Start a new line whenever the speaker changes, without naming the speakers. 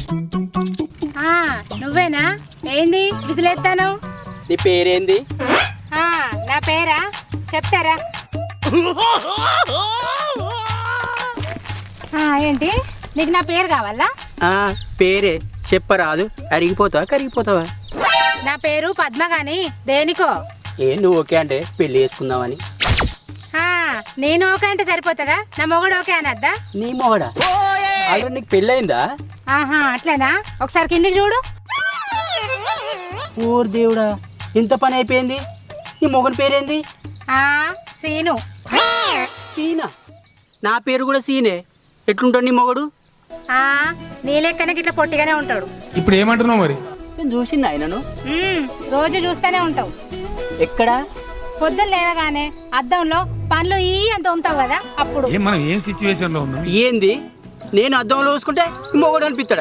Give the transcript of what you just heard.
నువ్వేనా? ఏంది విసిలేస్తాను?
నీ పేరేంది?
నా పేరా చెప్తారా? ఏంటి నీకు నా పేరు కావాలా?
పేరే చెప్పరాదు. అరిగిపోతావా కరిగిపోతావా?
నా పేరు పద్మ గాని దేనికో?
నువ్వు ఓకే అంటే పెళ్లి చేసుకుందామని.
నేను ఓకే అంటే సరిపోతుందా? నా మొగుడు ఓకే అనద్దా?
నీ మొగడా? ఆల్రెడీ నీకు పెళ్ళయిందా?
అట్లేనా? ఒకసారి కిందికి చూడు.
ఓర్ దేవుడా, ఇంత పని అయిపోయింది. నీ మొగని పేరేంది?
సీను.
సీనా? నా పేరు కూడా సీనే. ఎట్లుంటాడు నీ మొగడు?
నీ లెక్కనే ఇట్లా పొట్టిగానే ఉంటాడు.
ఇప్పుడు ఏమంటున్నావు మరి?
నేను చూసింది ఆయనను.
రోజు చూస్తూనే ఉంటావు.
ఎక్కడా?
పొద్దున్న లేవగానే అద్దంలో పనులు అని తోముతావు కదా, అప్పుడు.
మనం ఏం సిచ్యువేషన్ లో ఉన్నాం?
ఏంది? నేను అద్దంలో చూసుకుంటే మొగడు అనిపిస్తాడా?